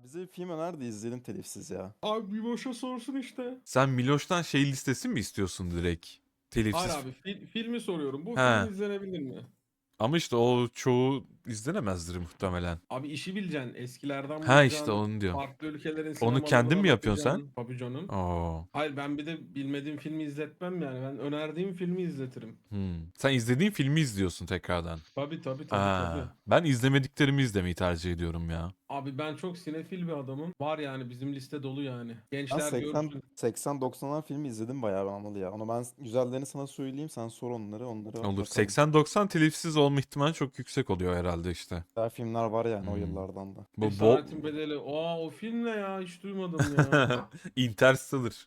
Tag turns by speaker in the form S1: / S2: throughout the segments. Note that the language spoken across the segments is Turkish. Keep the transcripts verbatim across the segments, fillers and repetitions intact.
S1: Bize bir film öner de izleyelim telifsiz ya.
S2: Abi bir boşa sorsun işte.
S3: Sen Miloş'tan şey listesi mi istiyorsun direkt?
S2: Hayır
S3: Telifsiz.
S2: abi fil- filmi soruyorum. Bu film
S3: He.
S2: izlenebilir mi?
S3: Ama işte o çoğu izlenemezdir muhtemelen.
S2: Abi işi bileceksin. Eskilerden
S3: Ha işte
S2: bulacaksın.
S3: onu diyorum.
S2: Farklı ülkelerin
S3: Onu kendin
S2: sinemalarına
S3: mi yapıyorsun sen?
S2: bakacaksın. Tabii canım.
S3: Oo.
S2: Hayır ben bir de bilmediğim filmi izletmem yani. Ben önerdiğim filmi izletirim.
S3: Hmm. Sen izlediğin filmi izliyorsun tekrardan.
S2: Tabii tabii tabii
S3: Aa,
S2: tabii.
S3: ben izlemediklerimi izlemeyi tercih ediyorum ya.
S2: Abi ben çok sinefil bir adamım. Var yani bizim liste dolu yani.
S1: Ben
S2: Gençler
S1: seksen
S2: görsün.
S1: seksen doksanlar filmi izledim bayağı ben Anıl ya. Onu ben güzellerini sana söyleyeyim, sen sor onları onları
S3: Olur.
S1: bakalım.
S3: seksen doksan telifsiz olma ihtimali çok yüksek oluyor herhalde işte.
S1: Güzel filmler var yani o
S3: Hmm.
S1: yıllardan da.
S3: Bu bol...
S2: Esaretin Bedeli. Aa o film ne ya? Hiç duymadım ya.
S3: Interstellar.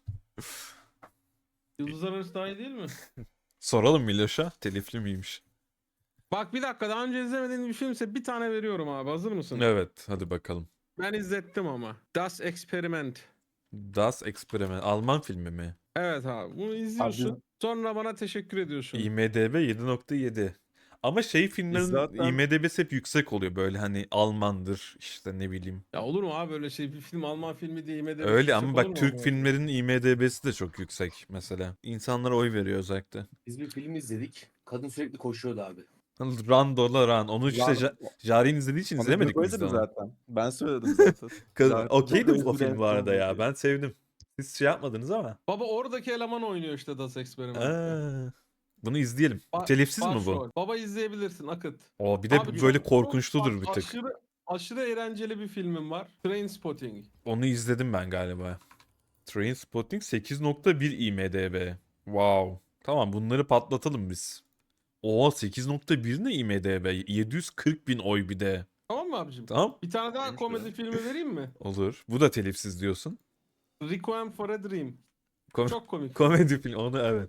S2: Yıldızlar Arası daha iyi değil mi?
S3: Soralım Miloş'a. Telifli miymiş?
S2: Bak bir dakika daha önce izlemediğin bir filmse bir tane veriyorum abi. Hazır mısın?
S3: Evet. Hadi bakalım.
S2: Ben izlettim ama. Das Experiment.
S3: Das Experiment. Alman filmi mi?
S2: Evet abi bunu
S1: Abi
S2: izliyorsun. Sonra bana teşekkür ediyorsun.
S3: IMDb yedi nokta yedi. Ama şey
S1: biz
S3: filmlerin
S1: zaten
S3: IMDb'si hep yüksek oluyor. Böyle hani Almandır işte ne bileyim.
S2: Ya olur mu abi böyle şey bir film Alman filmi diye IMDb'si
S3: Öyle
S2: yüksek
S3: ama
S2: olur
S3: bak
S2: mu
S3: Türk
S2: abi?
S3: filmlerinin IMDb'si de çok yüksek mesela. İnsanlara oy veriyor özellikle.
S4: Biz bir film izledik. Kadın sürekli koşuyordu abi.
S3: Run Dola Run. Onu işte
S1: Lan,
S3: ja Jari'nin izlediği için
S1: onu
S3: izlemedik
S1: Gökay
S3: biz de
S1: dedi
S3: onu.
S1: zaten. Ben söyledim zaten.
S3: Kız-
S1: Zaten
S3: Okeydi
S1: Gökay
S3: o film
S1: izledi
S3: bu arada ya.
S1: diye.
S3: Ben sevdim. Siz şey yapmadınız ama.
S2: Baba oradaki eleman oynuyor işte Das Experiment'te.
S3: Aa, bunu izleyelim.
S2: Ba-
S3: Telifsiz mi bu?
S2: başrol. Baba izleyebilirsin Akıt.
S3: O bir de
S2: Abi
S3: böyle
S2: çok,
S3: korkunçludur
S2: çok
S3: bir tık.
S2: aşırı aşırı eğlenceli bir filmim var. Trainspotting.
S3: Onu izledim ben galiba. Trainspotting sekiz nokta bir IMDb. Wow. Tamam bunları patlatalım biz. Oha sekiz nokta bir ne IMDb? yedi yüz kırk bin oy bir de.
S2: Tamam mı abicim?
S3: Tamam.
S2: Bir tane daha
S4: Neymiş
S2: komedi
S4: bu?
S2: filmi vereyim mi?
S3: Olur. Bu da telifsiz diyorsun.
S2: Requiem for a Dream.
S3: Kom-
S2: Çok komik.
S3: komedi film. Onu evet.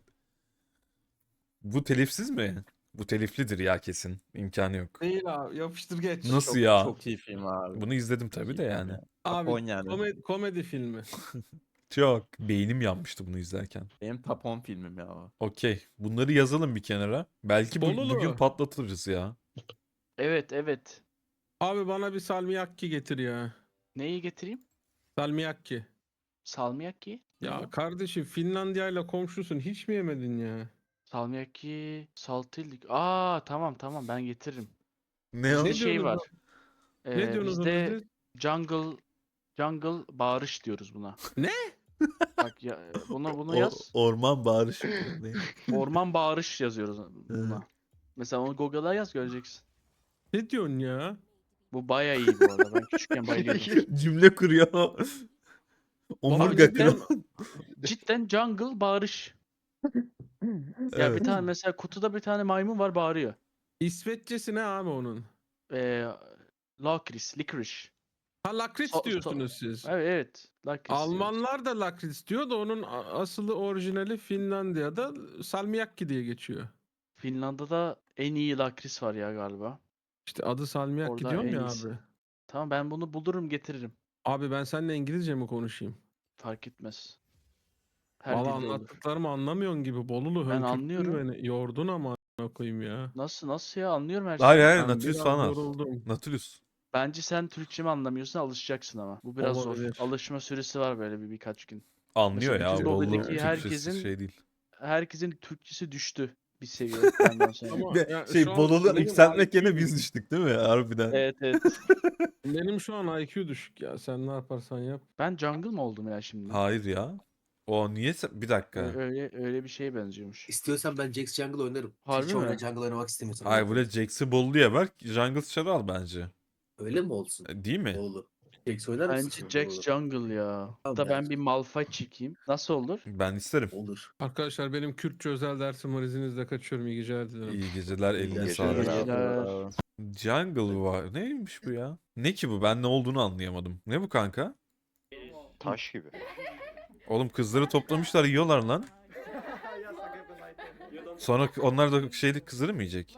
S3: Bu telifsiz mi? Bu teliflidir ya kesin. İmkanı yok.
S2: Değil abi yapıştır geç.
S3: Nasıl
S1: Çok,
S3: ya?
S1: çok iyi film abi.
S3: Bunu izledim
S1: Çok
S3: tabii
S1: iyi
S3: de
S1: film
S3: yani.
S1: ya.
S2: Abi
S1: Top on yani.
S2: komedi, komedi filmi.
S3: Çok. Beynim yanmıştı bunu izlerken.
S1: Benim top on filmim ya o.
S3: Okey. Bunları yazalım bir kenara. Belki bu-
S2: Bolulu.
S3: bugün patlatırız ya.
S5: Evet evet.
S2: Abi bana bir salmiakki getir ya.
S5: Neyi getireyim?
S2: Salmiakki.
S5: Salmiakki. Ne
S2: Ya
S5: bu?
S2: kardeşim Finlandiya ile komşusun hiç mi yemedin ya?
S5: Salmiakki saltillik. Aa tamam tamam ben getiririm.
S3: Ne o?
S5: Bizde
S2: Ne
S5: şey
S2: diyorsunuz
S5: var.
S2: Ne
S5: Ee,
S2: diyorsunuz
S5: bizde
S2: siz?
S5: jungle jungle bağırış diyoruz buna.
S2: Ne?
S5: Bak ya bunu bunu
S3: O-
S5: yaz.
S3: orman bağırışı. Ne?
S5: Orman bağırış yazıyoruz buna. Mesela onu Google'a yaz göreceksin.
S2: Ne diyorsun ya?
S5: Bu bayağı iyi bu arada. Ben küçükken bayılıyordum.
S3: Cümle kuruyor. Omurga
S2: Abi cidden-
S3: kırıyor.
S5: Cidden jungle bağırış. Ya
S3: Evet.
S5: bir tane mesela kutuda bir tane maymun var bağırıyor.
S2: İsveççesi ne abi onun?
S5: Ee, lakris, licorice.
S2: Ha lakritz
S5: So- so-
S2: diyorsunuz siz.
S5: Evet evet. Lakris diyoruz.
S2: Almanlar da lakritz diyor da onun a- asılı orijinali Finlandiya'da salmiakki diye geçiyor.
S5: Finlandiya'da en iyi lakris var ya galiba.
S2: İşte adı salmiakki
S5: Orada
S2: diyorum
S5: en
S2: ya
S5: iyisi.
S2: abi.
S5: Tamam ben bunu bulurum getiririm.
S2: Abi ben seninle İngilizce mi konuşayım?
S5: Fark etmez. Her
S2: Valla
S5: dilde olur.
S2: anlattıklarımı anlamıyorsun gibi. Bolulu
S5: Ben
S2: hönkürttün
S5: anlıyorum.
S2: beni. Yordun ama a**ına koyayım ya.
S5: Nasıl nasıl ya anlıyorum her şeyi.
S3: Hayır hayır
S2: Ben
S3: Nautilus
S2: biraz
S3: falan al.
S2: yoruldum.
S3: Nautilus.
S5: Bence sen Türkçe mi anlamıyorsun alışacaksın ama. Bu biraz
S2: Olabilir.
S5: zor. Alışma süresi var böyle bir birkaç gün.
S3: Anlıyor
S5: Mesela
S3: ya.
S5: bütün
S3: Bolu
S5: Google'daki
S3: Türkçesi
S5: herkesin-
S3: şey değil.
S5: Herkesin Türkçesi düştü bir seviye benden sonra.
S2: Ama
S3: Ve
S2: ya
S3: şey
S2: şu an
S3: Bolu'da
S2: benim
S3: yükseltmek
S2: I Q
S3: yerine biz
S2: düşük.
S3: düştük değil mi? Harbiden.
S5: Evet evet.
S2: Benim şu an I Q düşük ya. Sen ne yaparsan yap.
S5: Ben jungle mı oldum ya şimdi?
S3: Hayır ya. O niye sen... Bir dakika.
S5: Ö- Öyle öyle bir şeye benziyormuş.
S4: İstiyorsan ben Jax Jungle oynarım.
S5: Harbi
S4: Hiç
S5: mi?
S4: oyna Jungle oynamak istemiyorsan.
S3: Hayır
S4: öyle
S3: böyle Jax'i Bolu'ya ver. Jungle Char'ı al bence.
S4: Öyle mi olsun?
S3: E, Değil mi?
S4: Oğlu. Jax oynar mısın?
S5: Bence
S4: şimdi?
S5: Jax
S4: Olur.
S5: Jungle ya.
S4: Tamam,
S5: Da ben
S4: bence.
S5: bir Malphite çekeyim. Nasıl olur?
S3: Ben isterim.
S4: Olur.
S2: Arkadaşlar benim Kürtçe özel dersim var. İzninizle kaçıyorum. İyi geceler dilerim.
S3: İyi geceler eline
S4: geceler
S3: sağlık.
S4: abi.
S5: Geceler.
S3: Jungle var. Neymiş bu ya? Ne ki bu? Ben ne olduğunu anlayamadım. Ne bu kanka?
S6: Taş gibi.
S3: Oğlum kızları toplamışlar yiyorlar lan. Sonra onlar da şeyde kızları mı yiyecek?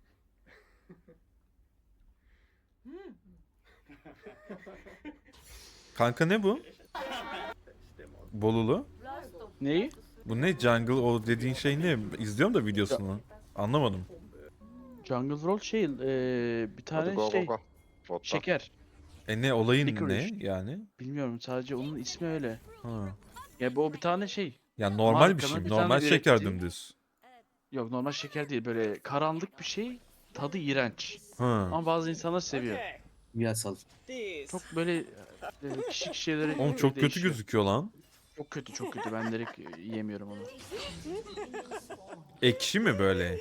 S3: Kanka ne bu? Bolulu.
S5: Neyi?
S3: Bu ne jungle o dediğin şey ne? İzliyorum da videosunu. Anlamadım.
S5: Jungle Roll şey eee, bir
S6: Hadi
S5: tane
S6: go
S5: şey
S6: go go. Botta.
S5: şeker.
S3: E ne olayın
S5: Licorice.
S3: ne yani?
S5: Bilmiyorum, sadece onun ismi öyle.
S3: Ha.
S5: Ya bu bir tane şey.
S3: Yani normal bir
S5: Markanın
S3: şey.
S5: bir
S3: Normal
S5: tane
S3: şeker
S5: ürettiği-
S3: dümdüz.
S5: Yok, normal şeker değil, böyle karanlık bir şey. Tadı iğrenç.
S3: Ha.
S5: Ama bazı insanlar seviyor.
S4: Kimyasal.
S5: Çok böyle e, kişi kişilere
S3: Oğlum
S5: göre
S3: çok kötü
S5: değişiyor.
S3: gözüküyor lan.
S5: Çok kötü, çok kötü. Ben direkt e, yiyemiyorum onu.
S3: Ekşi mi böyle?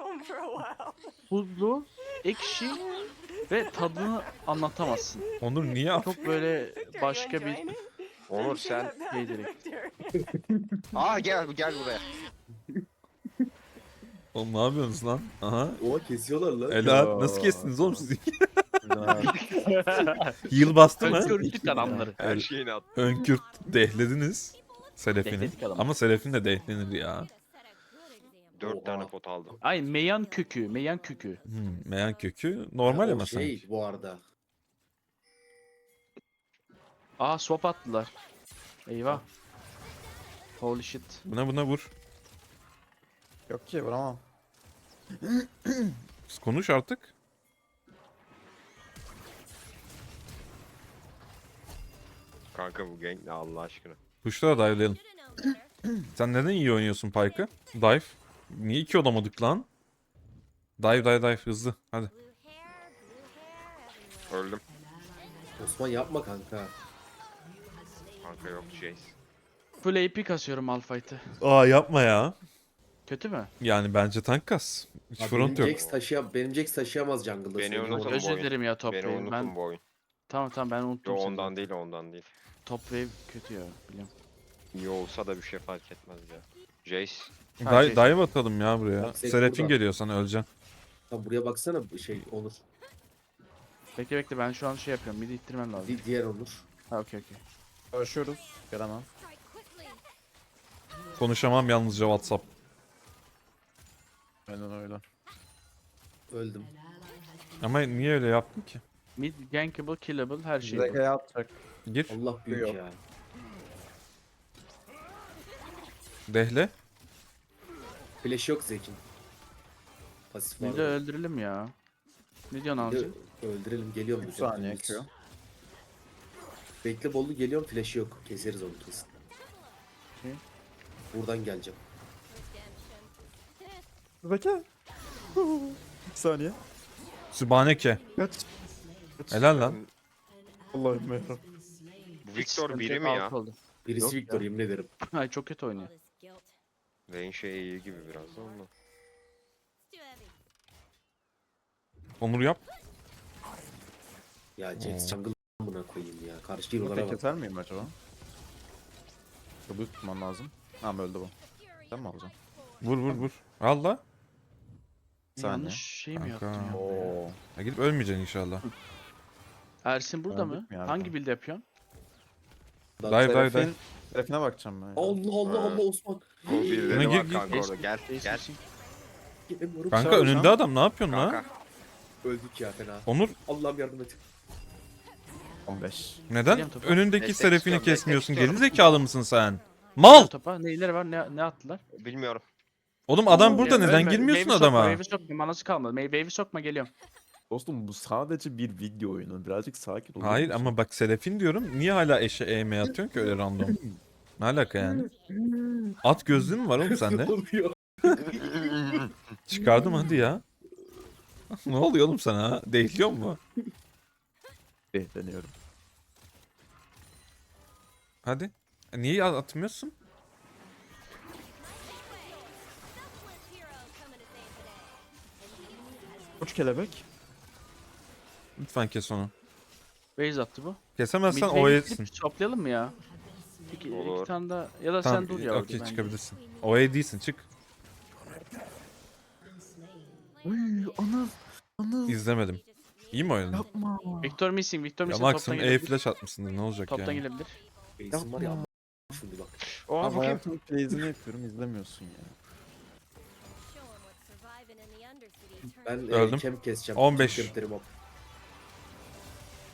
S5: Tuzlu, ekşi ve tadını anlatamazsın.
S3: Onur niye yap?
S5: Çok böyle başka bir
S6: Onur sen.
S5: şey direkt.
S6: Aa gel gel buraya.
S3: Oğlum ne yapıyorsunuz lan? Aha.
S4: Oha kesiyorlar lan.
S3: Ela nasıl kestiniz oğlum siz?
S1: Güzel.
S3: Heal bastı mı?
S5: Önkörüklük adamları.
S6: Her şeyini at.
S3: Önkürt dehlediniz. Selefini.
S5: Dehledik adamı.
S3: Ama Selefin de dehlenir ya.
S6: Dört tane
S4: Oha.
S6: pot aldım.
S5: Ay, meyan kökü, meyan kökü.
S3: Hmm, meyan kökü normal
S4: O
S3: ama
S4: şey
S3: sanki.
S4: bu arada.
S5: Aa, swap attılar. Eyvah. Holy shit.
S3: Buna buna vur.
S1: Yok ki vuramam.
S3: Siz konuş artık.
S6: Kanka bu gank ne Allah aşkına.
S3: Kuşlara dive'layalım. Sen neden iyi oynuyorsun Pyke'ı? Dive. Niye iki olamadık lan? Dive dive dive hızlı. Hadi.
S6: Öldüm.
S4: Osman yapma kanka.
S6: Kanka yok Jace.
S5: Full A P kasıyorum Malphite'ı.
S3: Aa yapma ya.
S5: Kötü mü?
S3: Yani bence tank kas. Hiç
S4: Abi
S3: front
S4: benim
S3: yok.
S4: Jax taşıyam benim Jax taşıyamaz jungle'da.
S6: Beni
S4: söyleyeyim
S6: unutun
S4: ona.
S5: Özür
S6: bu oyun.
S5: dilerim ya Top
S6: Beni
S5: Wave.
S6: unutun
S5: Ben
S6: bu oyun.
S5: tamam tamam ben
S6: Yo
S5: unuttum seni.
S6: ondan değil ondan değil.
S5: Top Wave kötü ya, biliyorum.
S6: İyi olsa da bir şey fark etmez ya. Jace.
S5: Ha,
S3: Dive,
S5: şey-
S3: dive atalım ya buraya.
S4: Bak, Zek
S3: Serafin
S4: burada.
S3: geliyor sana öleceksin.
S4: Tamam buraya baksana bir şey Onur.
S5: Bekle bekle, ben şu an şey yapıyorum. Midi ittirmem lazım.
S4: Di- diğer Onur.
S5: Ha, okey okey.
S1: Görüşüyoruz. Gelemem.
S3: Konuşamam yalnızca WhatsApp.
S1: Aynen öyle.
S4: Öldüm.
S3: Ama niye öyle yaptın ki?
S5: Mid gankable, killable, her şey. bu.
S1: Zekaya atacak.
S3: Gir.
S4: Allah büyük
S1: Yok.
S4: ya.
S3: Dehle.
S4: Flash yok Zek'in. Pasif var.
S5: Mid'i öldürelim ya. Ne diyorsun
S4: Bir de
S5: amca?
S4: öldürelim geliyorum.
S1: üç
S4: bir de.
S1: saniye Q.
S4: Bekle Bollu geliyorum flash'ı yok. Keseriz onu kesin.
S5: Okey.
S4: Buradan geleceğim.
S1: Zeka. Bir saniye.
S3: Sübhaneke.
S1: Kaç.
S3: Helal lan.
S1: Allah'ım yarabbim.
S6: Bu
S5: Hiç
S6: Victor
S5: sıkıntı
S6: biri
S5: yok,
S6: mi ya?
S5: alt oldu.
S4: Birisi
S5: Yok
S4: Victor yemin ederim.
S5: Ay, çok kötü oynuyor.
S6: Vayne şey iyi gibi biraz da ondan.
S3: Onur yap.
S4: Ya Jax jungle buna koyayım ya. Karşı
S1: Bunu
S4: hero'lara
S1: tek
S4: bak.
S1: keser miyim acaba? Çabuk tutmam lazım. Tamam öldü bu. Sen mi alacaksın?
S3: Vur vur vur. Al la.
S1: Saniye.
S5: Yanlış şey mi
S3: Kanka.
S5: yaptın ya?
S1: Oo.
S3: Ya gidip ölmeyeceksin inşallah.
S5: Ersin burada
S1: Öldük
S5: mı?
S1: mü yani?
S5: Hangi build yapıyorsun?
S3: Dive dive dive.
S1: Serafin. Serafine bakacağım ben. ya.
S4: Allah Allah Allah Osman.
S6: O birileri
S3: Gir,
S6: var
S3: gir.
S6: kanka orada. Gel
S5: Ace
S6: gel.
S5: misin?
S4: Gelemiyorum.
S3: Kanka
S1: Şarj
S3: önünde
S1: lan.
S3: adam ne yapıyorsun la?
S6: Kanka.
S4: Öldük ya fena.
S3: Onur
S4: Allah'ım yardım et.
S1: on beş.
S3: neden
S5: Geliyorum topa.
S3: önündeki
S6: Destek
S3: Serafini
S6: istiyorum, destek
S3: kesmiyorsun?
S6: istiyorum.
S3: Geri zekalı mısın sen? Mal!
S5: Topa neyleri var, ne, ne attılar?
S6: Bilmiyorum.
S3: Oğlum adam
S5: Ya
S3: burada neden
S5: ölme,
S3: girmiyorsun
S5: wave'i sokma,
S3: adama?
S5: Wave'i sokma, manası kalmadı. May- Wave'i sokma, geliyorum.
S1: Dostum bu sadece bir video oyunu. Birazcık sakin olur
S3: Hayır
S1: musun?
S3: ama bak Serafin diyorum. Niye hala eşe eğme atıyorsun ki öyle random? Ne alaka yani? At gözlüğün mü var oğlum sende?
S4: Ne oluyor?
S3: Çıkardım hadi ya. Ne oluyor oğlum sana ha? Değiliyor mu?
S1: Deniyorum.
S3: Hadi. E, Niye atmıyorsun?
S1: Uç kelebek.
S3: Lütfen kes onu.
S5: Base attı bu.
S3: Kesemezsen
S5: Mid
S3: o
S5: wave'i
S3: etsin.
S5: gidip toplayalım mı ya? İki,
S6: Olur.
S5: iki tane daha. Ya da
S3: Tamam,
S5: sen dur ya orada
S3: okey
S5: bence.
S3: çıkabilirsin. O E değilsin çık.
S1: Uy Anıl. Anıl.
S3: İzlemedim. İyi mi oynadın?
S1: Yapma.
S5: Victor missing, Victor
S3: Ya
S5: missing, toptan
S3: maksimum E
S5: gelebilir.
S3: flash atmışsındır ne olacak
S5: Toptan
S3: yani.
S5: gelebilir.
S4: Base'im var ya. Şimdi bak.
S6: Oha
S1: Abi
S6: bu kim?
S1: hayatımın plays'ini yapıyorum izlemiyorsun ya.
S4: Ben
S3: Öldüm.
S4: e, kem keseceğim.
S3: on beş.
S4: Kem kemiklerim hop.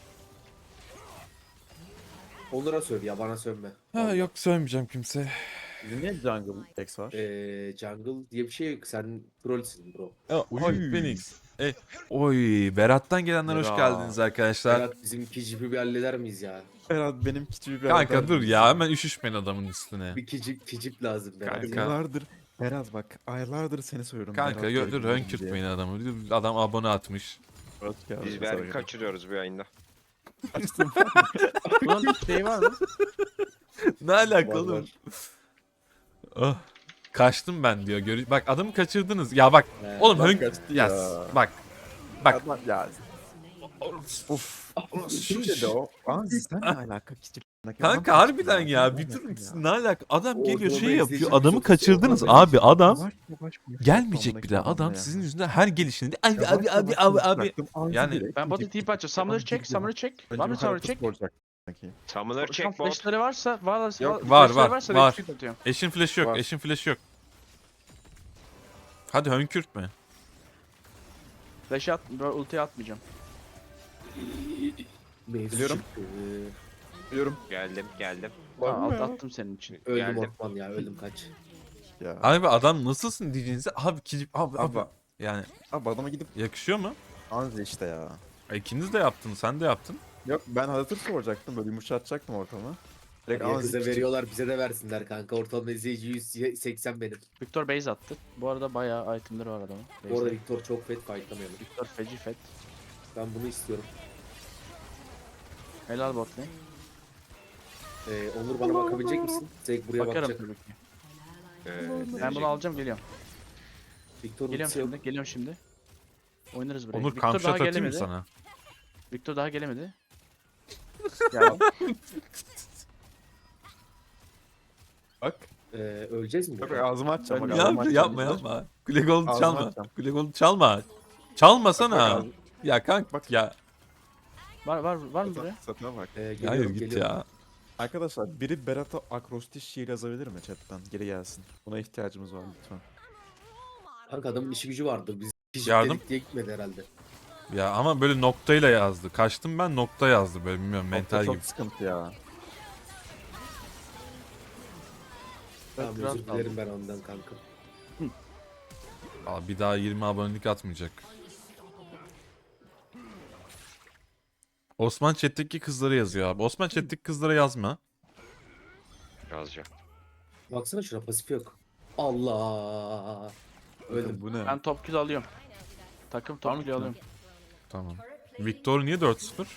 S4: Onur'a söv ya bana sövme.
S3: Ha yok söylemeyeceğim kimse.
S1: Bizim niye jungle X var?
S4: Ee, jungle diye bir şey yok. Sen trollsün bro.
S3: Oy Phoenix. E, oy Berat'tan gelenler hoş
S1: Berat.
S3: geldiniz arkadaşlar.
S4: Berat bizim iki jipi bir halleder miyiz ya?
S1: Berat benim küçüğü bir
S3: Kanka
S1: arada
S3: dur
S1: mısın?
S3: ya hemen üşüşmeyin adamın üstüne.
S4: Bir kicip kicip lazım Berat.
S3: Kanka.
S1: Aylardır. Berat bak aylardır seni söylüyorum.
S3: Kanka
S1: Berat
S3: yo-
S1: böyle
S3: dur
S1: gidelim
S3: hönkürtmeyin
S1: diye.
S3: adamı. Adam abone atmış.
S1: Hoş geldin.
S6: Biz bir erkek kaçırıyoruz bir yayında.
S1: Açtım.
S5: Bunun şey var mı?
S3: Ne alaka
S4: Var,
S3: oğlum?
S4: var.
S3: Oh. Kaçtım ben diyor. Görü bak adamı kaçırdınız. Ya bak
S4: He,
S3: oğlum
S1: bak
S3: hönk
S1: kaçtı
S3: ya.
S1: ya.
S3: Bak. Bak.
S1: Adam ya. Of. Kim dedi o? Aa sen ne alaka küçük?
S3: Kanka harbiden ya bir durun siz ne alaka? Adam
S4: Orada
S3: geliyor
S4: o
S3: şey
S4: benzeyici
S3: yapıyor.
S4: bir
S3: Adamı
S4: çok-
S3: kaçırdınız
S4: orada
S3: abi. Adam
S1: Yavaş yavaş konuş.
S3: gelmeyecek bile.
S1: Adamla
S3: Adam
S1: ya.
S3: sizin yüzünden her gelişinde abi
S1: Yavaş
S3: abi abi
S1: yavaş
S3: abi abi.
S1: konuşacaktım, ağzı
S3: Yani
S1: direkt
S5: Ben bota
S1: gidecek.
S5: tip açacağım. Summoner
S1: Adam
S5: check,
S1: gidiyor.
S5: summoner check.
S1: Önce
S5: Var mı
S1: bir
S5: summoner
S1: haritası
S5: check?
S1: soracak. Peki.
S6: Summoner
S5: Şu an
S6: check bot.
S5: flashları varsa, var,
S1: Yok,
S5: var,
S3: var,
S5: flashları
S3: var,
S5: varsa
S3: var.
S5: retweet atıyorum.
S3: Eşin flash'ı yok.
S1: Var.
S3: Eşin flash'ı yok. Hadi hönkürtme.
S5: Flash'ı at, böyle ultiyi atmayacağım.
S4: Mevzu
S1: Biliyorum.
S4: çıktı.
S1: Biliyorum.
S6: Geldim geldim.
S5: Ha,
S1: mı
S5: alt
S1: ya?
S5: attım senin için.
S4: Öldüm
S6: Geldim.
S4: Ortman ya öldüm kaç.
S1: Ya.
S3: Abi adam nasılsın diyeceğinize abi ki abi abi.
S1: Abi,
S3: Yani
S1: abi adama gidip
S3: yakışıyor mu?
S1: anzi işte ya.
S3: E, İkiniz de yaptınız. Sen de yaptın.
S1: Yok ben haritası soracaktım böyle yumuşatacaktım ortamı. Direkt
S4: Ya
S1: anzi
S4: kıza
S1: küçük.
S4: veriyorlar bize de versinler kanka. Ortalama izleyici yüz seksen benim.
S5: Victor base attı. Bu arada bayağı itemleri var adamın.
S4: Bu arada
S5: Base'de.
S4: Victor çok fet fightlamayalım.
S5: Victor feci fet.
S4: Ben bunu istiyorum.
S5: Helal bot lane.
S4: Ee, Onur bana bakabilecek misin? Zek buraya
S5: Bakarım
S4: bakacak.
S5: tabii ki.
S6: Ee,
S5: Ben bunu alacağım geliyorum.
S4: Victor
S5: Geliyorum
S4: ultisi yok.
S5: şimdi, geliyorum şimdi. Oynarız buraya.
S3: Onur
S5: Victor
S3: kamşat
S5: daha
S3: atayım mı
S5: gelemedi.
S3: sana?
S5: Victor daha gelemedi. Geldi.
S1: Bak.
S4: Ee, öleceğiz mi?
S1: Bak
S4: burada?
S1: ağzımı açacağım. Bak,
S5: Ben-
S1: ağzımı
S3: Yapma
S1: açacağım.
S3: yapma yapma. Kule gold
S1: Ağzını
S3: çalma.
S1: açacağım.
S3: Kule gold çalma. Çalmasana.
S1: Bak, bak,
S3: Ya kanka
S1: Bak.
S3: ya.
S5: Var var var mı buraya?
S1: Satına bak.
S4: Ee,
S3: Hayır
S4: geliyorum,
S3: git
S4: geliyorum.
S3: ya.
S1: Arkadaşlar biri Berat'a akrostiş şiir yazabilir mi chatten? Geri gelsin. Buna ihtiyacımız var lütfen.
S4: Kanka adamın işi gücü vardır. Biz kişi
S3: Yardım.
S4: dedik diye gitmedi herhalde.
S3: Ya ama böyle noktayla yazdı. Kaçtım ben nokta yazdı böyle bilmiyorum mental
S1: Çok
S3: gibi.
S1: sıkıntı ya.
S4: Tamam
S5: biraz
S4: özür dilerim ben ondan kanka.
S3: Aa, bir daha yirmi abonelik atmayacak. Osman chat'teki kızlara yazıyor abi. Osman chat'teki kızlara yazma.
S6: yazacağım.
S4: Baksana şuna pasif yok. Allah. Öldüm.
S1: Bu ne?
S5: Ben top kill alıyorum. Takım top kill alıyorum.
S3: Tamam. Victor niye dört sıfır?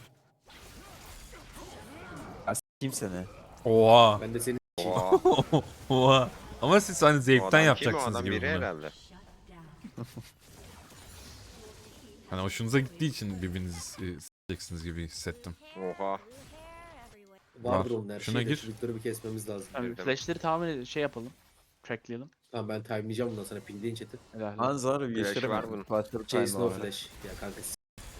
S1: Kim seni?
S3: Oha.
S4: Ben de senin
S6: Oha.
S3: Oha. Ama siz hani
S6: O
S3: zevkten
S6: adam kim o
S3: yapacaksınız
S6: adam
S3: gibi
S6: biri
S3: bunu.
S6: herhalde.
S3: Hani hoşunuza gittiği için birbirinizi e, s**eceksiniz gibi hissettim.
S6: Oha.
S4: vardır
S3: Var.
S4: onun her
S3: Şuna
S4: şeyde.
S3: gir.
S4: Şu Victor'u bir kesmemiz lazım.
S5: Yani
S6: Girdim.
S5: flashleri tamamen şey yapalım. Trackleyelim.
S4: Tamam ben timelayacağım bundan sonra pingleyin chat'i.
S5: Helal.
S1: Anzar
S6: Flash
S1: yeşile
S6: var
S1: var
S6: bunun.
S1: Flashları
S4: Chase
S1: time
S4: no
S1: var.
S4: flash. Ya kanka s-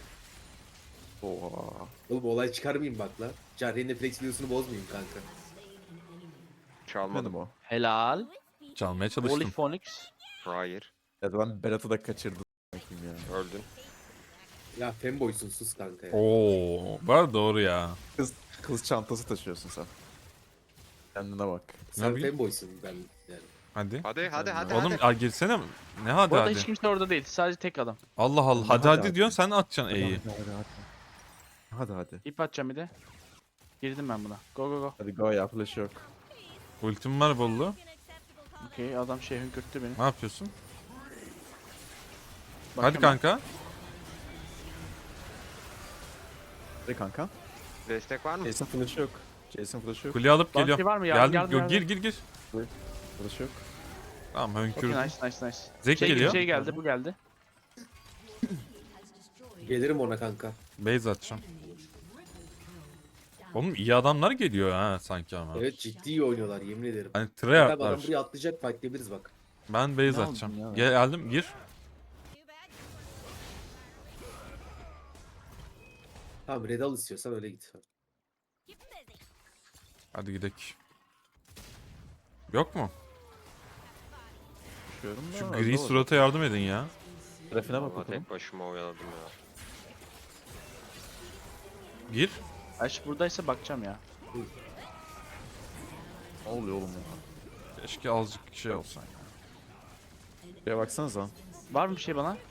S1: Oha.
S4: Oğlum olay çıkarmayayım bak la. Jarre'nin flex videosunu bozmayayım kanka.
S6: Çalmadım.
S1: Benim o.
S5: Helal.
S3: Çalmaya
S5: Holy
S3: çalıştım.
S5: Phoenix.
S6: Hayır.
S1: Ya ben Berat'ı da kaçırdım. Bakayım ya.
S6: Öldün.
S4: Ya femboysun sus kanka ya.
S3: Oo, var doğru ya.
S1: Kız, kız çantası taşıyorsun sen. Kendine bak.
S4: Sen
S3: bileyim.
S4: femboysun ben yani.
S3: Hadi.
S6: Hadi hadi hadi
S3: Oğlum
S6: hadi.
S3: al girsene. Ne hadi
S5: Bu arada
S3: hadi.
S5: hiç kimse orada değil. Sadece tek adam.
S3: Allah Allah.
S1: Hadi,
S3: Hadi
S1: hadi
S3: hadi
S1: abi.
S3: diyorsun sen atacaksın E'yi.
S1: Hadi hadi hadi. Hadi hadi.
S5: İp atacağım bir de. Girdim ben buna. Go go go.
S1: Hadi go ya flash yok.
S3: Ultim var bollu.
S5: Okey adam şey hünkürttü beni.
S3: Ne yapıyorsun?
S5: Bakıyorum
S3: Hadi kanka.
S1: Hadi kanka.
S6: Destek var mı?
S1: Jason flash yok. Jason flash yok.
S3: Kule alıp
S5: Bounty
S3: geliyorum.
S5: var mı? Yardım,
S3: Geldim.
S5: yardım,
S3: Yo, gir
S5: yardım.
S3: gir gir.
S1: Flash yok.
S3: Tamam
S5: Okey
S3: hönkürdüm.
S5: nice nice nice.
S3: Zek
S5: şey,
S3: geliyor.
S5: Şey geldi bu geldi.
S4: Gelirim ona kanka.
S3: Base atacağım. Oğlum iyi adamlar geliyor ha sanki ama.
S4: Evet ciddi iyi oynuyorlar yemin ederim.
S3: Hani
S4: Tabii adam
S3: tryhardlar.
S4: buraya atlayacak fightlayabiliriz bak.
S3: Ben base
S5: Ne
S3: atacağım.
S5: aldın ya?
S3: Geldim gir.
S4: Tamam red al istiyorsan öyle git.
S3: Hadi gidelim. Yok mu?
S1: Düşüyorum da.
S3: Şu
S1: öyle
S3: gri
S1: olur.
S3: surata yardım edin ya.
S1: Trafine bak
S6: Vallahi
S1: bakalım.
S6: tek başıma oyaladım ya.
S3: Gir.
S5: Aş buradaysa bakacağım ya.
S1: Ne oluyor oğlum ya?
S3: Keşke azıcık şey olsan ya.
S1: Şuraya baksanıza.
S5: Var mı bir şey bana?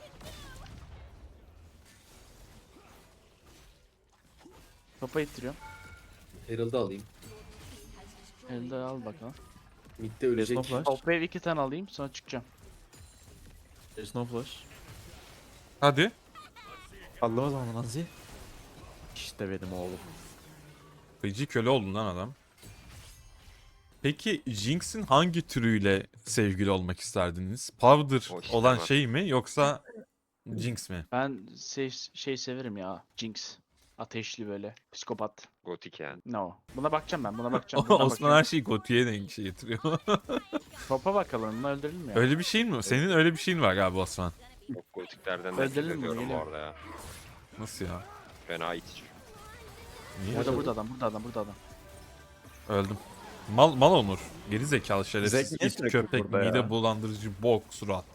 S5: Topa ittiriyorum.
S4: Herald'ı alayım.
S5: Elde al bakalım.
S4: Mid'de ölecek.
S1: No flash.
S5: Top wave iki tane alayım sonra çıkacağım.
S1: There's no flash.
S3: Hadi.
S1: Aldım o zaman Nazi. İşte benim oğlum.
S3: Feci köle oldun lan adam. Peki Jinx'in hangi türüyle sevgili olmak isterdiniz? Powder
S6: O işte
S3: olan
S6: var.
S3: şey mi yoksa Jinx mi?
S5: Ben şey, şey severim ya. Jinx. Ateşli böyle. Psikopat.
S6: Gotik yani.
S5: No. Buna bakacağım ben. Buna bakacağım. Buradan
S3: Osman
S5: bakıyorum.
S3: her şeyi Goti'ye denk şey getiriyor.
S5: Topa bakalım. Bunu öldürelim mi ya?
S3: Öyle bir şeyin mi? Senin öyle bir şeyin var galiba Osman.
S6: Çok gotiklerden nefret
S5: Öldürelim bunu,
S6: ediyorum bu
S5: geliyor.
S6: arada ya.
S3: Nasıl ya?
S6: Fena itici.
S3: Niye?
S5: Burada burada adam. Burada adam. Burada adam.
S3: Öldüm. Mal mal Onur. Geri zekalı şerefsiz.
S1: Zek niye
S3: İt,
S1: sürekli
S3: köpek,
S1: burada
S3: mide
S1: ya?
S3: bulandırıcı, bok, surat.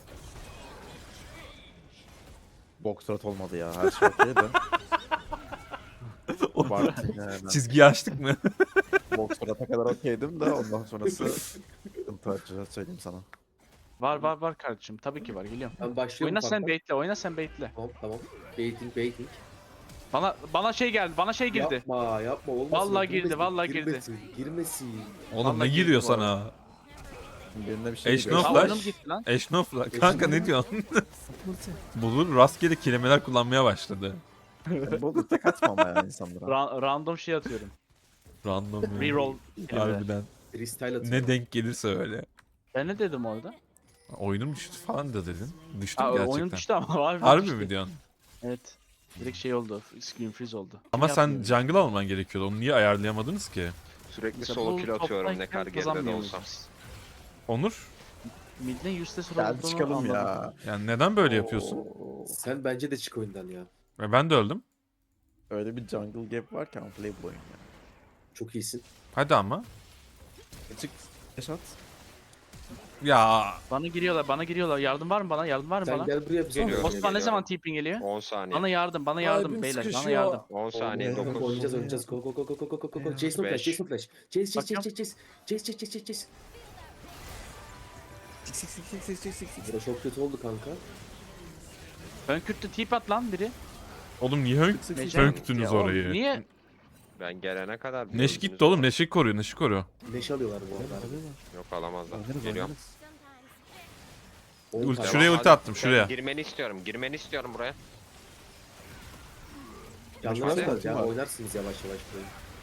S1: Boxrat olmadı ya. Her şey okey de. Var yani.
S3: Çizgiyi açtık mı?
S1: Boxrat'a kadar okeydim de ondan sonrası sıkıntı açacağız söyleyeyim sana.
S5: Var var var kardeşim. Tabii ki var. Geliyorum.
S4: Ben başlıyorum
S5: Oyna sen
S4: kanka.
S5: baitle. Oyna sen baitle.
S4: Tamam tamam. Baiting baiting.
S5: Bana bana şey geldi. Bana şey girdi.
S4: Yapma yapma olmasın.
S5: Vallahi girdi,
S4: Girmesin,
S5: vallahi girdi.
S4: Girmesin. Girmesin.
S3: Oğlum ne
S5: Vallahi
S3: giriyor
S5: girdi bu arada.
S3: sana?
S1: Birine bir şey
S3: Eş
S1: geliyor.
S3: no
S5: Aa,
S3: flash.
S5: oyunum gitti lan.
S3: Eşnofla. Kanka ne diyorsun? Bulur rastgele kelimeler kullanmaya başladı.
S1: Ben bu tek atma ama ya insanlara.
S5: Ra- random şey atıyorum.
S3: Random. ya.
S5: Reroll. kelimeler.
S3: Harbiden.
S4: Freestyle atıyor.
S3: Ne denk gelirse öyle.
S5: Ben ne dedim orada?
S3: Oyunum düştü falan da dedin. Düştüm
S5: Aa,
S3: gerçekten.
S5: oyunum düştü ama var
S3: Harbi
S5: düştü.
S3: mi diyorsun?
S5: Evet. Direkt şey oldu. Screen freeze oldu.
S3: Ama sen
S5: Yapmıyorum.
S3: jungle alman gerekiyordu. Onu niye ayarlayamadınız ki?
S6: Sürekli
S5: Mesela
S6: solo
S5: bu
S6: kill atıyorum ne
S5: toptayken
S6: kadar geride de
S5: kazanmıyoruz
S6: olsam.
S5: biz.
S3: Onur?
S5: Mid'in yüzde sıfır
S1: Gel
S5: olduğunu
S1: çıkalım
S5: anladım.
S1: ya.
S3: Yani neden böyle yapıyorsun?
S1: Oo.
S4: Sen bence de çık oyundan ya.
S3: Ve ben de öldüm.
S1: Öyle bir jungle gap varken play bu oyun ya.
S4: Çok iyisin.
S3: Hadi ama.
S1: Çık. Yaşat.
S3: Ya
S5: Bana giriyorlar, bana giriyorlar. Yardım var mı bana? Yardım var mı
S4: Sen
S5: bana?
S4: gel buraya bir sonra.
S6: Geliyorum.
S5: Osman ne zaman TP'in geliyor?
S6: on saniye.
S5: Bana yardım, bana yardım
S1: Kalbim
S5: beyler, bana
S1: sıkışıyor.
S5: yardım.
S6: on saniye
S1: Oğlum,
S6: dokuz.
S4: Oynayacağız oynayacağız. Go go go go go go go go. Jason flash,
S6: Beş.
S4: Jason flash. Chase chase chase
S5: Bakıyorum.
S4: chase chase. Chase chase chase chase.
S1: Sik sik sik sik sik sik sik sik.
S4: Bura çok kötü oldu kanka.
S5: Ön kürtte tip at lan biri.
S3: oğlum niye hönk
S5: Nece-
S3: hönktünüz
S5: Ya oğlum,
S3: orayı?
S5: Niye?
S6: Ben gelene kadar. bir
S3: Neş
S6: öldünüz
S3: gitti oğlum.
S6: orada.
S3: Neşik koruyor. Neşik koruyor.
S4: Neşe alıyorlar bu arada.
S6: Yok alamazlar.
S1: Oynarız
S6: Geliyorum.
S1: oynarız.
S4: On
S3: Ulti
S4: tane.
S3: şuraya
S6: Hadi,
S3: ulti attım
S6: sen
S3: şuraya.
S6: Girmeni istiyorum. Girmeni istiyorum buraya.
S4: Yalnız
S1: Hadi.
S4: var ya
S1: Var.
S4: oynarsınız yavaş yavaş burayı.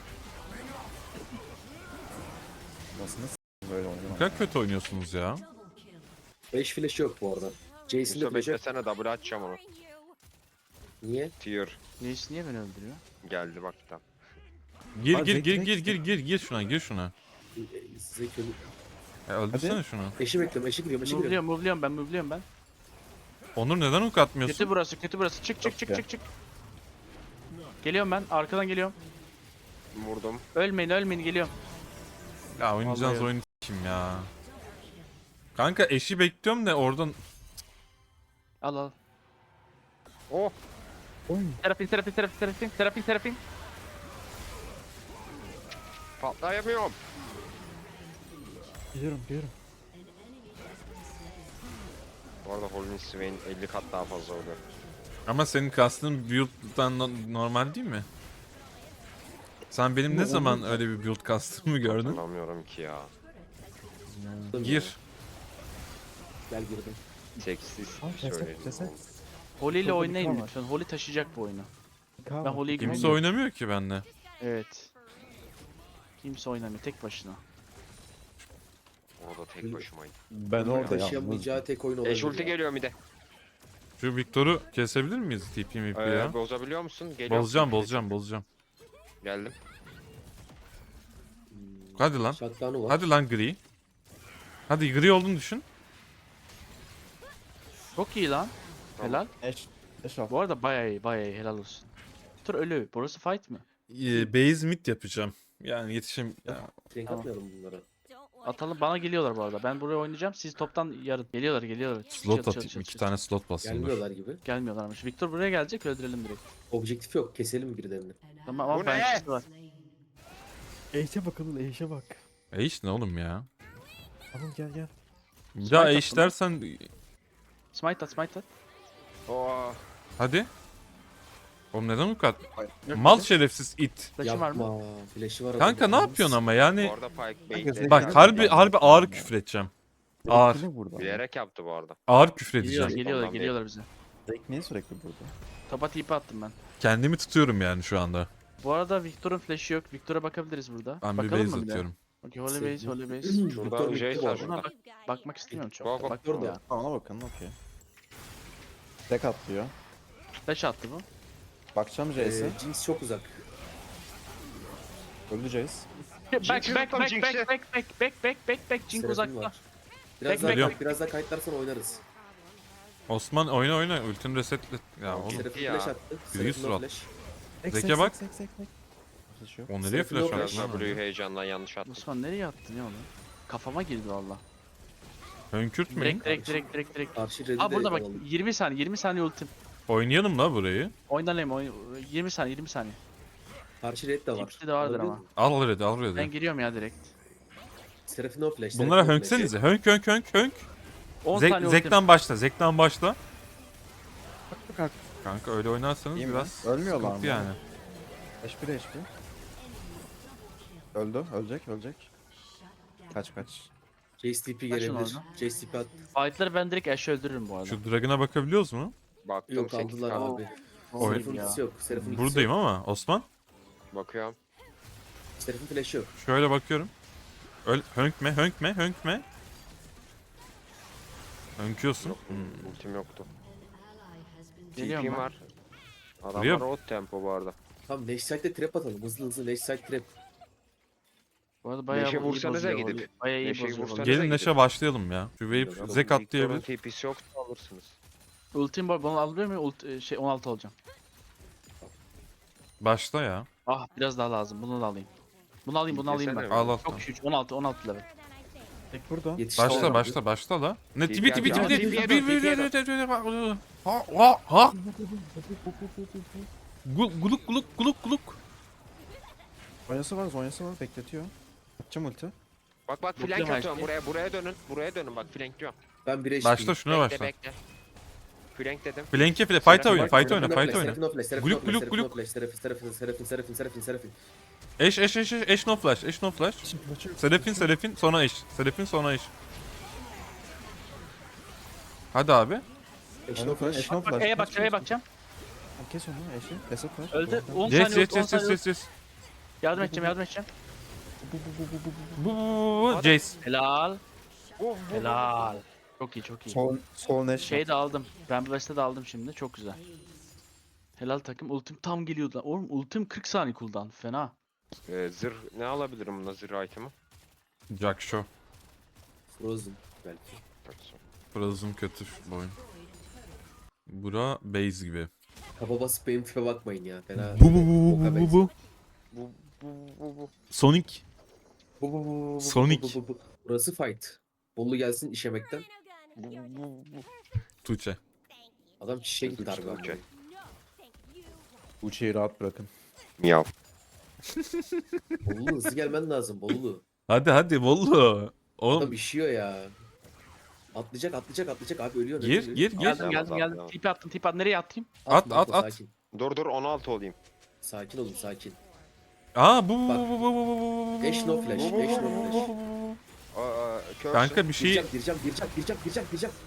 S1: Nasıl nasıl böyle
S3: Ne
S1: oynamak?
S3: kadar kötü oynuyorsunuz ya.
S4: beş flash yok bu arada. Jason'da
S6: Yusuf
S4: flash yok.
S6: beklesene double atacağım onu.
S4: Niye?
S6: Tier.
S5: Reis niye beni öldürüyor?
S6: Geldi bak tam.
S3: Gir
S1: Hadi,
S3: gir gir
S1: direkt,
S3: gir gir
S1: direkt.
S3: gir gir şuna gir şuna.
S4: E, Size kötü.
S3: Ya öldürsene şunu.
S4: Eşi bekliyorum, eşi giriyorum, eşi giriyorum.
S5: Move'luyorum, move'luyorum ben, move'luyorum ben.
S3: Onur neden hook atmıyorsun?
S5: Kötü burası, kötü burası. Çık çık çık
S1: ya.
S5: çık çık. Geliyorum ben, arkadan geliyorum.
S6: Vurdum.
S5: Ölmeyin, ölmeyin, geliyorum.
S3: Ya oynayacağınız
S5: Vallahi
S3: oyunu kim ya? Kanka eşi bekliyorum da oradan
S5: Al al.
S6: Oh.
S5: Terapin, terapin, terapin, terapin, terapin, terapin.
S6: Patlayamıyorum.
S1: Geliyorum geliyorum.
S6: Bu arada Holy Swain elli kat daha fazla oluyor.
S3: ama senin kastın build'dan no- normal değil mi? Sen benim ne zaman öyle bir build kastımı gördün?
S6: Hatırlamıyorum ki ya.
S3: Gir.
S4: Gel girdim.
S6: Seksiz
S1: Al ceset
S6: söyledim.
S1: ceset.
S5: Holy ile
S1: Çok
S5: oynayın
S1: komik var.
S5: lütfen. Holy taşıyacak bu oyunu. Ben
S1: Ben
S5: Holy'yi
S3: Kimse
S5: güveniyorum.
S3: oynamıyor ki bende.
S5: Evet. Kimse oynamıyor tek başına.
S6: Orada tek başımayım.
S1: Ben orada yalnız.
S4: Taşıyamayacağı tek oyun olabilir.
S6: Eş ulti
S4: ya.
S6: geliyor bir de.
S3: Şu Victor'u kesebilir miyiz T P M P
S6: Ee,
S3: ya?
S6: bozabiliyor musun? Geliyor.
S3: Bozacağım bozacağım bozacağım.
S6: Geldim.
S3: Hadi lan.
S4: Shutdown'u var.
S3: Hadi lan gri. Hadi gri olduğunu düşün.
S5: Çok iyi lan.
S6: Tamam.
S5: Helal.
S1: Eş. Eş al.
S5: Bu arada bayağı iyi, bayağı iyi. Helal olsun. Tur ölü. Burası fight mı?
S3: Ee, base mid yapacağım. Yani yetişim... Ya,
S4: Renk
S5: Tamam.
S4: atmayalım bunlara.
S5: Atalım. Bana geliyorlar bu arada. Ben buraya oynayacağım. Siz toptan yarın. Geliyorlar, geliyorlar. Çıt,
S3: slot
S5: çıt, çıt,
S3: atayım.
S5: çıt,
S3: iki
S5: çıt.
S3: tane slot basayım dur.
S4: Gelmiyorlar gibi.
S5: Gelmiyorlarmış. Victor buraya gelecek. Öldürelim direkt.
S4: Objektif yok. Keselim birilerini.
S5: Tamam ama
S6: Bu
S5: ben
S6: ne?
S5: ikisi var.
S1: Eşe bakalım eşe bak.
S3: E işte ne oğlum ya?
S1: Tamam gel gel.
S3: Ya
S5: attım.
S3: eş dersen
S5: Smite at smite at.
S6: Oo.
S3: hadi. Oğlum neden bu kadar?
S5: Yok,
S3: Mal
S5: yok.
S3: şerefsiz it.
S5: Flash'ım var mı?
S4: Yapma. Flash'ı var adamın.
S3: Kanka ne yapıyorsun ama yani?
S6: Bu arada Pike
S1: Herkes
S6: baitledi.
S1: ne
S3: Bak
S1: kadar-
S3: harbi harbi ağır küfür edeceğim. Ağır.
S1: Sürekli burada.
S6: Bilerek yaptı bu arada.
S3: Ağır küfür
S5: Geliyorlar
S3: edeceğim.
S5: geliyorlar
S6: Ondan
S5: geliyorlar bize.
S1: Drake niye sürekli burada?
S5: Topa tipi attım ben.
S3: Kendimi tutuyorum yani şu anda.
S5: Bu arada Victor'un flash'ı yok. Victor'a bakabiliriz burada.
S3: Ben bir
S5: Bakalım
S3: base
S5: mı bir de?
S3: atıyorum.
S5: Okey, holy base, holy base.
S6: Şurada
S4: Victor
S6: Jace
S4: bitti
S6: var
S4: bu
S6: şurada.
S5: Bak, bakmak istemiyorum çok.
S6: Go, go.
S5: Bak
S4: Orada.
S5: ya.
S1: Ha, ona bakın okey. Tek atlıyor.
S5: Flash attı bu.
S1: Bakacağım Jace'e.
S4: Ee, Jinx çok uzak.
S1: Öldü Jace.
S5: Back back
S6: Jinx'i
S5: back
S6: tuttum,
S5: back
S6: Jinx'i.
S5: back back back back back back back Jink
S4: Seraphim
S5: uzakta.
S4: var. Biraz
S5: Bek,
S4: daha,
S3: bek,
S4: kayıt- biraz daha kayıtlarsan oynarız.
S3: Osman oyna oyna ultini resetle. Ya oğlum.
S4: Seraphim
S6: ya.
S4: flash attı.
S3: Yüz
S4: Seraphim
S3: surat.
S4: flash.
S3: Zeke bak.
S1: Zek zek zek. Flash yok.
S3: O nereye
S4: Seraphim
S3: flash
S4: yok,
S3: attı
S4: flash.
S3: lan?
S6: W'yu heyecandan yanlış attı.
S5: Osman nereye attın ya onu? Kafama girdi valla.
S3: Hönkürtmeyin.
S5: Direkt direkt direkt direkt direkt.
S4: Karşı red'i
S5: Aa
S4: de
S5: burada bak
S4: alalım.
S5: yirmi saniye yirmi saniye ultim.
S3: Oynayalım la burayı.
S5: Oynanayım oyun yirmi saniye yirmi saniye.
S4: Karşı red de var.
S5: Tipsi de vardır
S4: Alabiliyor
S5: ama.
S4: musun?
S3: Al red'i al
S5: Ben
S3: red'i.
S5: giriyorum ya direkt.
S4: Seraphim no flash.
S3: Bunlara
S4: Seraphim no flash.
S3: hönksenize. Hönk hönk hönk hönk.
S5: on
S3: Zek,
S5: saniye ultim.
S3: Zek'ten başla. Zek'ten başla. Kanka öyle oynarsanız
S1: İyi mi?
S3: biraz
S1: Ölmüyorlar
S3: sıkıntı
S1: mı?
S3: yani.
S1: H P de H P. Öldü. Ölecek ölecek. Kaç kaç.
S4: Jace T P
S5: Kaçın
S4: gelebilir.
S5: orada.
S4: Jace T P at.
S5: Fight'ları ben direkt Ash'e öldürürüm bu arada.
S3: Şu Dragon'a bakabiliyoruz mu?
S6: Baktım
S4: Yok
S6: sekiz
S4: aldılar
S6: kaldı.
S4: abi.
S5: Oy
S4: Seraphim
S5: ya.
S4: ultisi yok. Seraphim ultisi
S3: Buradayım
S4: yok.
S3: ama Osman.
S6: Bakıyorum.
S4: Seraphim flash yok.
S3: Şöyle bakıyorum. Öl hönkme hönkme hönkme. Hönküyorsun. Hmm.
S6: Ultim yoktu.
S5: Geliyorum
S6: T P'm
S5: ben.
S6: var. Adamlar
S3: Buraya-
S6: road tempo bu arada.
S4: Tamam Next Side'de trap atalım. Hızlı hızlı Next Side trap.
S5: Bu arada bayağı
S6: Neşe
S5: iyi
S6: vursanıza
S5: bozuyor.
S6: gidip.
S5: Bayağı iyi
S6: Neşe'yi
S5: bozuyor.
S6: vursanıza.
S5: Gelin.
S3: Gelin Neşe başlayalım ya. Şu wave
S6: Victor'un
S3: Zek atlayabilir.
S6: T P'si yoksa alırsınız.
S5: Ultim var. Bunu alabiliyor muyum? Ult, e, şey on altı olacağım.
S3: Başla ya.
S5: Ah biraz daha lazım. Bunu da alayım. Bunu alayım bunu alayım ben.
S6: Desene.
S3: Al al.
S5: Çok güç. on altı on altı level.
S1: Tek burada.
S4: Yetiş
S3: Başla
S4: tamam.
S3: başla başla la. Ne tipi tipi
S6: Ya,
S3: tipi
S6: tipiye
S3: tipi
S6: dön, tipiye dön.
S3: Ha ha ha. Gul- Guluk guluk guluk guluk.
S1: Zonyası var Zonyası var bekletiyor. Atacağım ulti.
S6: Bak bak
S5: Bakıyorum
S6: flank
S5: her
S6: atıyorum.
S5: şeye.
S6: Buraya buraya dönün. Buraya dönün bak flank diyorum.
S4: Ben bir H P.
S3: Başla şuna
S6: Bekle
S3: başla.
S6: bekle. Flank dedim.
S3: Flank'e file fight oyna
S4: Bak,
S3: fight
S4: Seraphim
S3: oyna
S4: no
S3: fight
S4: flash,
S3: oyna.
S4: Seraphim no flash, Seraphim
S3: Gluk,
S4: no flash,
S3: gluk,
S4: Seraphim no
S3: gluk.
S4: flash, Seraphim, Seraphim, Seraphim, Seraphim, Seraphim, Seraphim.
S3: Eş eş eş eş eş no flash eş no flash. Serafin Serafin sonra eş. Serafin sonra eş. Hadi abi.
S4: Eş
S1: Eşno
S4: no
S1: flash.
S4: flash.
S1: Eşno
S5: Bak
S1: flash.
S5: E'ye bakacağım E'ye bakacağım.
S1: Kes onu eşi. Reset var.
S5: Öldü. on
S3: Yes
S5: saniye
S3: yes
S5: ult, on
S3: yes yes
S5: saniye ult.
S3: yes yes.
S5: Yardım edeceğim yardım edeceğim.
S3: Bu bu bu bu Jace.
S5: Helal. Helal. Çok iyi çok iyi.
S1: Sol, sol neş.
S5: Şey de aldım. Rambo West'e de aldım şimdi. Çok güzel. Helal takım. Ultim tam geliyordu. lan. Oğlum ultim kırk saniye cooldown. Fena.
S6: Ee, zırh ne alabilirim buna zırh item'ı?
S3: Jack Show.
S4: Frozen belki.
S3: Frozen kötü bu oyun. Bura base gibi.
S4: Kaba basıp benim tipe bakmayın ya. Fena.
S3: Bu bu bu bu bu bu.
S6: Bu bu bu bu.
S3: Sonic.
S4: Bu, bu, bu, bu, bu,
S3: Sonic.
S4: bu, bu, bu. Burası fight. Bolu gelsin işemekten.
S6: Bu bu bu.
S3: Tuğçe.
S4: Adam şişe gitti
S6: Tuğçe,
S4: harbi.
S6: Tuğçe.
S4: abi.
S1: Uçiyi rahat bırakın.
S6: Miyav.
S4: Bolulu hızlı gelmen lazım Bolulu.
S3: Hadi hadi Vollu.
S4: Adam
S3: Oğlum
S4: işiyor ya. Atlayacak atlayacak atlayacak abi ölüyor.
S3: gir
S4: ölüyor.
S3: gir gir.
S5: Geldim
S6: Tamam,
S5: geldim
S6: tamam,
S5: geldim.
S6: tamam.
S5: Tipi attım tipi attım. Nereye atayım?
S3: At,
S4: Atma,
S3: at,
S4: atma,
S3: at.
S4: Sakin.
S6: Dur dur on altı olayım.
S4: Sakin olun sakin.
S3: Aa bu bu
S4: Bak.
S3: bu bu bu bu bu.
S4: Eş no flash, eş no flash.
S6: Aa, körsün.
S3: Kanka bir şey
S4: Gireceğim gireceğim gireceğim gireceğim gireceğim gireceğim.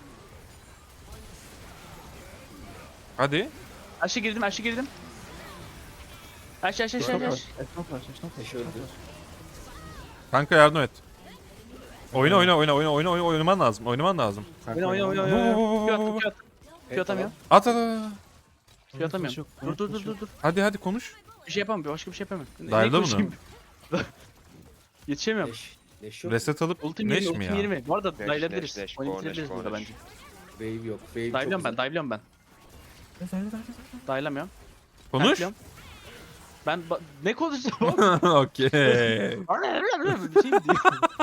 S3: hadi.
S5: Aşağı girdim aşağı girdim. Aşağı aşağı aşağı aşağı.
S1: Eşno flash. Eşno flash.
S4: Eş öldü.
S3: Kanka yardım et. Oyna oyna oyna oyna oyna oyna oynaman lazım. Oynaman lazım.
S5: Oyna oyna oyna
S3: Bu, bu,
S5: oyna.
S3: bu, bu,
S5: Q
S3: bu,
S5: attım
S3: bu.
S5: Q attım. Q
S4: Evet,
S5: atamıyorum.
S3: At at at.
S5: Q atamıyorum. Dur dur dur dur dur.
S3: Hadi hadi konuş.
S5: Bir şey yapamam. Başka bir şey yapamam. Ne-
S3: Dial'da
S5: ne
S3: mı?
S5: konuşayım? Yetişemiyorum.
S4: Neş. Neş yok.
S3: Reset alıp
S5: Ultim
S3: neş
S5: yirmi,
S3: mi
S5: ultim
S3: ya?
S5: yirmi. Bu arada
S6: Neş,
S5: dive'lebiliriz.
S6: neş, neş,
S5: Oyunu
S6: go, neş,
S5: bitirebiliriz
S6: go,
S5: burada
S6: neş.
S5: bence.
S4: Wave yok. Wave çok
S5: Dive'liyorum ben,
S4: uzak.
S5: dive'liyorum ben. Dive'lamıyorum.
S3: Konuş.
S5: Dive'liyorum. Ben ba- ne konuşacağım oğlum?
S3: Okey.
S5: Bir şey mi diyeyim?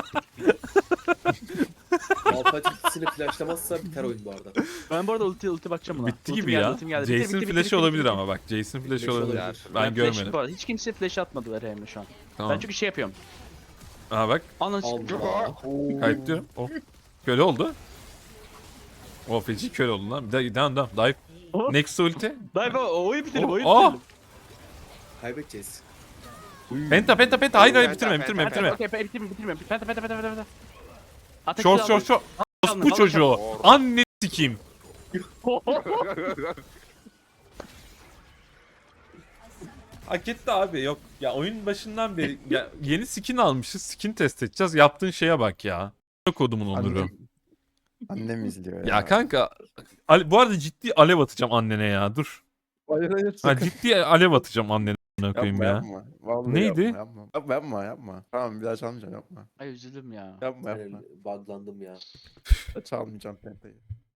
S4: Alpha ultisini flashlamazsa biter oyun bu arada.
S5: Ben bu arada ulti ulti bakacağım buna.
S3: Bitti
S5: Ultim
S3: gibi
S5: geldi,
S3: ya.
S5: ultim geldi. Bitti,
S3: Jason
S5: bitti, bitti,
S3: flash'ı
S5: bitti,
S3: olabilir
S5: bitti.
S3: ama bak. Jason flash'ı
S4: Flash
S3: olabilir.
S4: olabilir.
S3: Ben
S5: flash'ı
S3: görmedim.
S5: bu arada. Hiç kimse flash atmadı R M'le şu an.
S3: Tamam.
S5: Ben çünkü şey yapıyorum.
S3: Aha bak.
S5: Ananı
S4: Allah. Oo.
S3: Kayıtlıyorum. Oh. Köle oldu. O feci köle oldu lan. Bir daha devam devam. Dive. Next ulti.
S5: Dayı oyun bitirelim
S3: Oh,
S5: oyun
S3: oh.
S5: bitirelim.
S4: Kaybedeceğiz.
S3: Penta penta penta. Hayır hayır
S6: Penta,
S3: bitirme
S6: penta,
S3: bitirme
S6: penta.
S3: bitirme.
S5: Okey okey bitirme bitirme. Penta penta penta penta. Atak
S3: Short
S5: silahı
S3: short short.
S5: aldım,
S3: Bu
S5: aldım,
S3: çocuğu.
S6: aldım.
S3: Anne sikeyim. Hak etti abi yok. Ya oyun başından beri ya yeni skin almışız. Skin test edeceğiz. Yaptığın şeye bak ya. Kodumun onuru.
S1: Annem, annem izliyor ya.
S3: Ya kanka Ale- bu arada ciddi alev atacağım annene ya. Dur.
S2: Hayır hayır.
S3: Ha,
S2: sakın.
S3: ciddi alev atacağım annene amına koyayım
S1: Yapma
S3: ya.
S1: yapma. Vallahi
S3: Neydi?
S1: Yapma, yapma. Yapma yapma yapma. Tamam bir daha çalmayacağım yapma.
S5: Ay üzüldüm ya.
S1: Yapma yapma.
S4: Buglandım ya.
S1: Çalmayacağım pentayı.